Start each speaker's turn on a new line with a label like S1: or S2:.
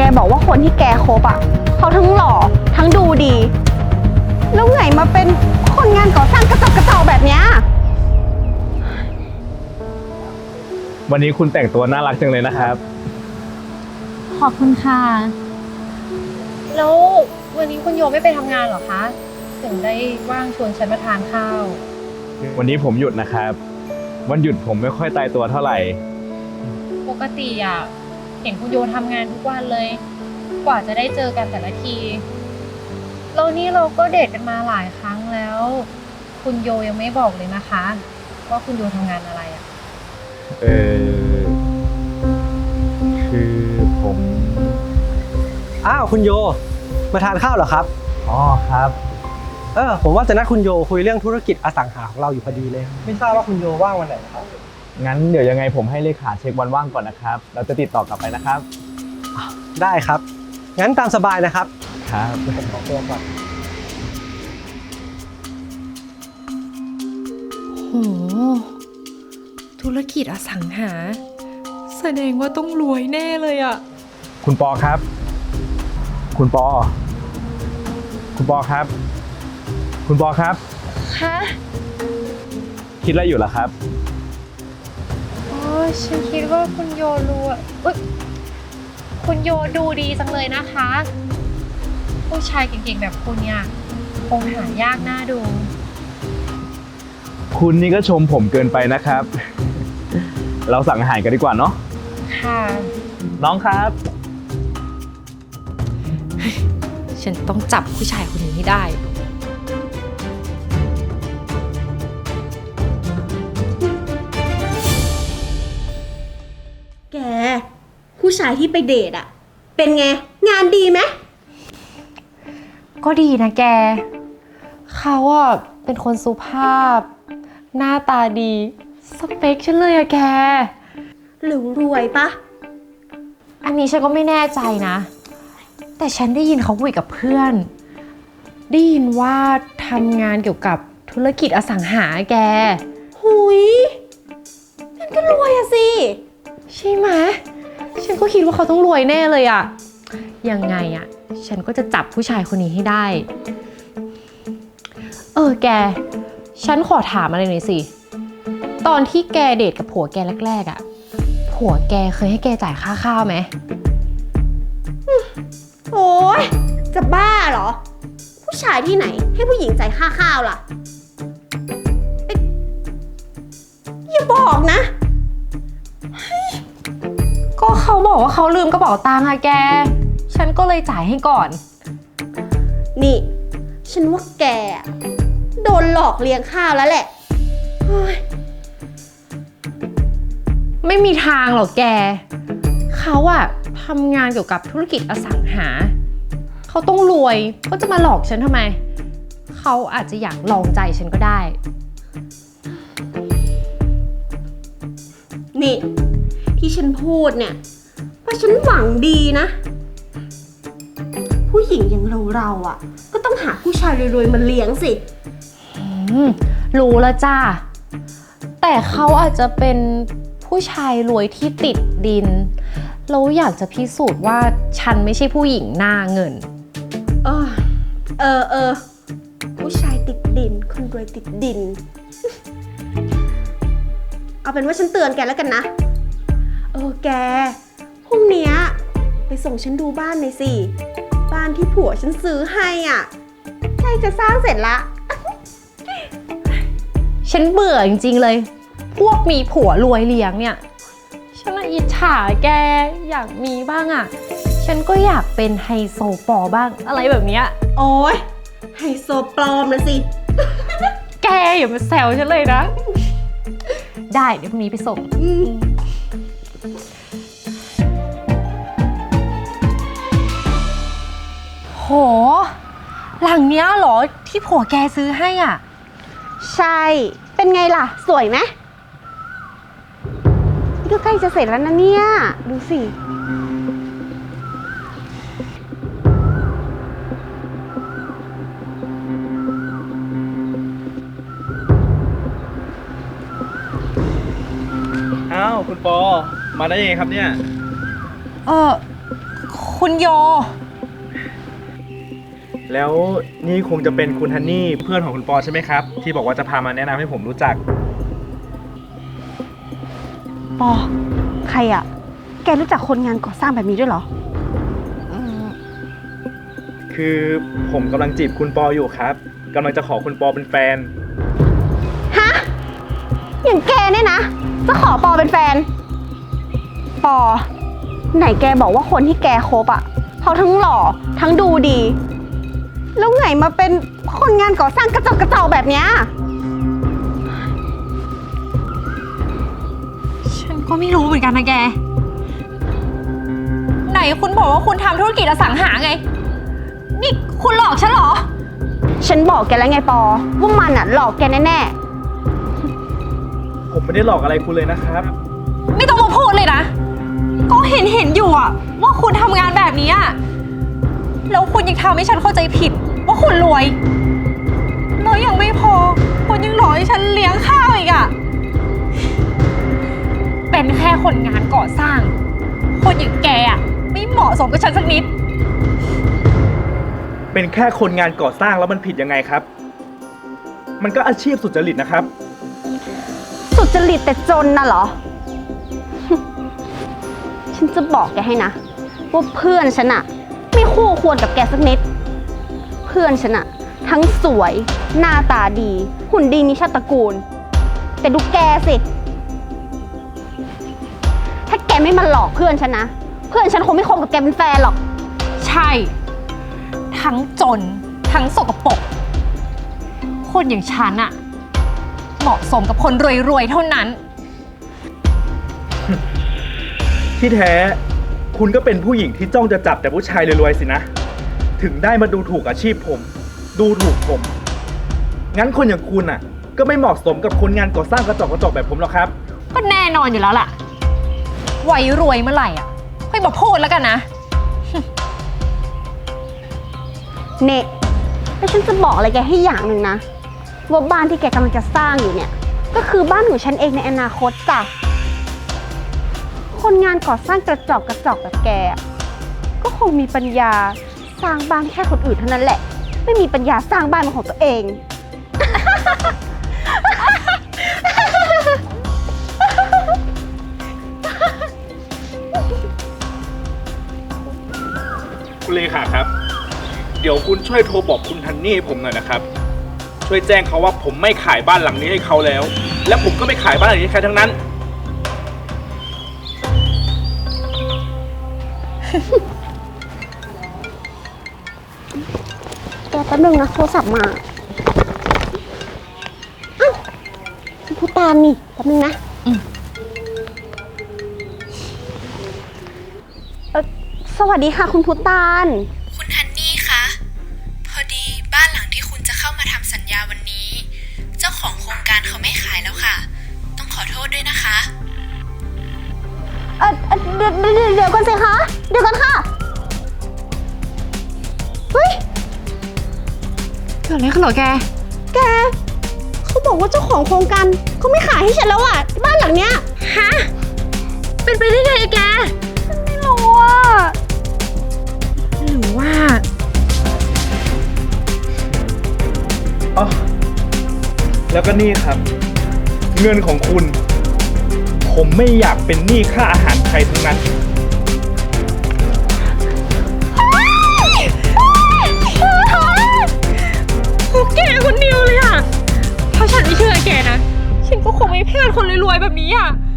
S1: บอกว่าคนที่แกคบอ่ะเขาทั้งหล่อทั้งดูดีแล้วไงมาเป็นคนงานก่อสร้างกระจอกแบบเนี้ย
S2: วันนี้คุณแต่งตัวน่ารักจังเลยนะครับ
S3: ขอบคุณค่ะ
S4: แล้ววันนี้คุณโยไม่ไปทำงานเหรอคะ ถึงได้ว่างชวนฉันมาทานข้าว
S2: วันนี้ผมหยุดนะครับ วันหยุดผมไม่ค่อยตายตัวเท่าไหร่
S4: ปกติอ่ะเห็นคุณโยทำงานทุกวันเลย กว่าจะได้เจอกันแต่ละทีแล้วนี่เราก็เดทกันมาหลายครั้งแล้ว คุณโยยังไม่บอกเลยนะคะ ว่าคุณโยทำงานอะไรอ่ะ
S2: เออคือผม
S5: อ้าวคุณโยมาทานข้าวเหรอครับ
S2: อ๋อครับ
S5: ผมว่าจะนัดคุณโยคุยเรื่องธุรกิจอสังหาของเราอยู่พอดีเลย ไม่ทราบว่าคุณโยว่างวันไหนครับ
S2: งั้นเดี๋ยวยังไงผมให้เลขาเช็ควันว่างก่อนนะครับ เราจะติดต่อกลับไปนะครับ
S5: ได้ครับงั้นตามสบายนะครับ
S2: ครับ
S5: ผมขอตัวก่อน
S6: โหธุรกิจอสังหาแสดงว่าต้องรวยแน่เลยอะ
S2: คุณปอครับ คุณปอ คุณปอครับ คุณปอครับ
S4: คะ
S2: คิดอะไรอยู่ล่ะครับ
S4: อ๋อฉันคิดว่าคุณโยรู้อ่ะอุ๊ยคุณโยดูดีจังเลยนะคะ ผู้ชายเก่งๆแบบคุณเนี่ยคงหายากน่าดู
S2: คุณนี่ก็ชมผมเกินไปนะครับ เราสั่งอาหารกันดีกว่าเนาะ
S4: ค่ะ
S2: น้องครับ
S6: ฉันต้องจับผู้ชายคนนี้ให้ได้
S1: แกผู้ชายที่ไปเดทอ่ะเป็นไงงานดีไหม
S3: ก็ดีนะแก เขาอ่ะเป็นคนสุภาพ หน้าตาดี สเปคฉันเลยอะแก
S1: หรือรวยปะ
S3: อันนี้ฉันก็ไม่แน่ใจนะ แต่ฉันได้ยินเขาคุยกับเพื่อน ได้ยินว่าทำงานเกี่ยวกับธุรกิจอสังหาแก
S1: หุยนั่นก็รวยอะสิ
S3: ใช่ไหมฉันก็คิดว่าเขาต้องรวยแน่เลยอะยังไงอะฉันก็จะจับผู้ชายคนนี้ให้ได้ แก ฉันขอถามอะไรหน่อยสิ ตอนที่แกเดทกับผัวแกแรกๆอะผัวแกเคยให้แกจ่ายค่าข้าวไหม
S1: โอ้ยจะบ้าเหรอ ผู้ชายที่ไหนให้ผู้หญิงจ่ายค่าข้าวล่ะเอ๊ะอย่าบอกนะ
S3: ก็เขาบอกว่าเขาลืมกระเป๋าตังค์อะแก ฉันก็เลยจ่ายให้ก่อน
S1: นี่ ฉันว่าแกอะโดนหลอกเลี้ยงข้าวแล้วแหละเฮ้ย
S3: ไม่มีทางหรอกแก เขาอะทำงานเกี่ยวกับธุรกิจอสังหา เขาต้องรวยก็จะมาหลอกฉันทำไม เขาอาจจะอยากลองใจฉันก็ได้
S1: นี่ ที่ฉันพูดเนี่ยเพราะฉันหวังดีนะ ผู้หญิงอย่างเราอ่ะ ก็ต้องหาผู้ชายรวยๆมาเลี้ยงสิ
S3: รู้แล้วจ้า แต่เขาอาจจะเป็นผู้ชายรวยที่ติดดิน แล้วอยากจะพิสูจน์ว่าฉันไม่ใช่ผู้หญิงหน้าเงิน
S1: ผู้ชายติดดิน คนรวยติดดิน เอาเป็นว่าฉันเตือนแกแล้วกันนะ แก พรุ่งเนี้ยไปส่งฉันดูบ้านหน่อยสิ บ้านที่ผัวฉันซื้อให้อ่ะใกล้จะสร้างเสร็จละ
S3: ฉันเบื่อจริงๆเลย พวกมีผัวรวยเลี้ยงเนี่ย ฉันน่ะอิจฉาแกอยากมีบ้างอ่ะ ฉันก็อยากเป็นไฮโซปอบ้างอะไรแบบเนี้ย
S1: โอ้ยไฮโซปลอมนะสิ
S3: แกอย่ามาแซวฉันเลยนะ ได้เดี๋ยวพรุ่งนี้ไปส่ง โห หลังเนี้ยเหรอที่ผัวแกซื้อให้อ่ะ
S1: ใช่ เป็นไงล่ะ สวยไหมนี่ก็ใกล้จะเสร็จแล้วนะเนี่ย ดูสิ
S2: อ้าว คุณปอ มาได้ยังไงครับเนี่ย
S3: เออคคุณโย
S2: แล้วนี่คงจะเป็นคุณฮันนี่เพื่อนของคุณปอใช่ไหมครับ ที่บอกว่าจะพามาแนะนำให้ผมรู้จัก
S1: ปอ ใครอะแกรู้จักคนงานก่อสร้างแบบนี้ด้วยเหรอ
S2: คือผมกำลังจีบคุณปออยู่ครับกำลังจะขอคุณปอเป็นแฟน
S1: ฮะ อย่างแกเนี่ยนะ จะขอปอเป็นแฟน ปอ ไหนแกบอกว่าคนที่แกคบอะเขาทั้งหล่อทั้งดูดี แล้วไงมาเป็นคนงานก่อสร้างกระจอกกระจอกแบบเนี้ย
S3: ฉันก็ไม่รู้เหมือนกันนะแก ไหนคุณบอกว่าคุณทำธุรกิจอสังหาไง นี่คุณหลอกฉันเหรอ
S1: ฉันบอกแกแล้วไงปอ ว่ามันอะหลอกแกแน่
S2: ผมไม่ได้หลอกอะไรคุณเลยนะครับ
S3: ไม่ต้องมาพูดเลยนะ ก็เห็นอยู่อะว่าคุณทำงานแบบนี้อะแล้วคุณยังทำให้ฉันเข้าใจผิดว่าคุณรวย แล้วยังไม่พอ คุณยังหลอกให้ฉันเลี้ยงข้าวอีกอะเป็นแค่คนงานก่อสร้าง คนอย่างแกอะไม่เหมาะสมกับฉันสักนิด
S2: เป็นแค่คนงานก่อสร้างแล้วมันผิดยังไงครับ มันก็อาชีพสุจริตนะครับ
S1: ๆ สุจริตแต่จนน่ะเหรอ ฉันจะบอกแกให้นะ ว่าเพื่อนฉันอะไม่คู่ควรกับแกสักนิด เพื่อนฉันอะทั้งสวย หน้าตาดี หุ่นดีมีชาติตระกูล แต่ดูแกสิ ถ้าแกไม่มาหลอกเพื่อนฉันนะ เพื่อนฉันคงไม่คบกับแกเป็นแฟนหรอก
S3: ใช่ ทั้งจน ทั้งสกปรก คนอย่างฉันอะเหมาะสมกับคนรวยๆเท่านั้น
S2: ที่แท้คุณก็เป็นผู้หญิงที่จ้องจะจับแต่ผู้ชายรวยๆสินะ ถึงได้มาดูถูกอาชีพผม ดูถูกผม งั้นคนอย่างคุณอ่ะ ก็ไม่เหมาะสมกับคนงานก่อสร้างกระจอกกระจอกแบบผมหรอกครับ
S3: ก็แน่นอนอยู่แล้วล่ะ ไว้รวยเมื่อไหร่อ่ะค่อยมาพูดแล้วกันนะ
S1: เน่แล้วฉันจะบอกอะไรแกให้อย่างหนึ่งนะ ว่าบ้านที่แกกำลังจะสร้างอยู่เนี่ย ก็คือบ้านของฉันเองในอนาคตจ้ะ คนงานก่อสร้างกระจอกกระจอกแบบแกอะก็คงมีปัญญาสร้างบ้านให้แค่คนอื่นเท่านั้นแหละ ไม่มีปัญญาสร้างบ้านเป็นของตัวเอง
S2: คุณเลขาครับ เดี๋ยวคุณช่วยโทรบอกคุณฮันนี่ให้ผมหน่อยนะครับ ช่วยแจ้งเขาว่าผมไม่ขายบ้านหลังนี้ให้เขาแล้ว และผมก็ไม่ขายบ้านหลังนี้ให้ใครทั้งนั้น
S1: แกแป๊บนึงนะโทรศัพท์มาอ้าวคุณผู้ตามนี่แป๊บนึงนะสวัสดีค่ะคุณพุตาน
S6: คุณฮันนี่คะพอดีบ้านหลังที่คุณจะเข้ามาทำสัญญาวันนี้ เจ้าของโครงการเขาไม่ขายแล้วค่ะ ต้องขอโทษด้วยนะคะ
S1: เดี๋ยวก่อนสิคะ เดี๋ยวก่อนค่ะ เฮ้ย
S3: เกิดอะไรขึ้นเหรอแก
S1: แก เขาบอกว่าเจ้าของโครงการเขาไม่ขายให้ฉันแล้วอ่ะบ้านหลังเนี้ย
S3: ฮะ เป็นไปได้ไงแก
S1: ไม่รู้อ่ะ
S3: หรือว่า
S2: อ๋อ แล้วก็นี่ครับ เงินของคุณ ผมไม่อยากเป็นหนี้ค่าอาหารใครทั้งนั้น
S3: แกคนเดียวเลยอะถ้าฉันไม่เชื่อแกนะ ฉันก็คงไม่พลาดคนรวยๆแบบนี้อะ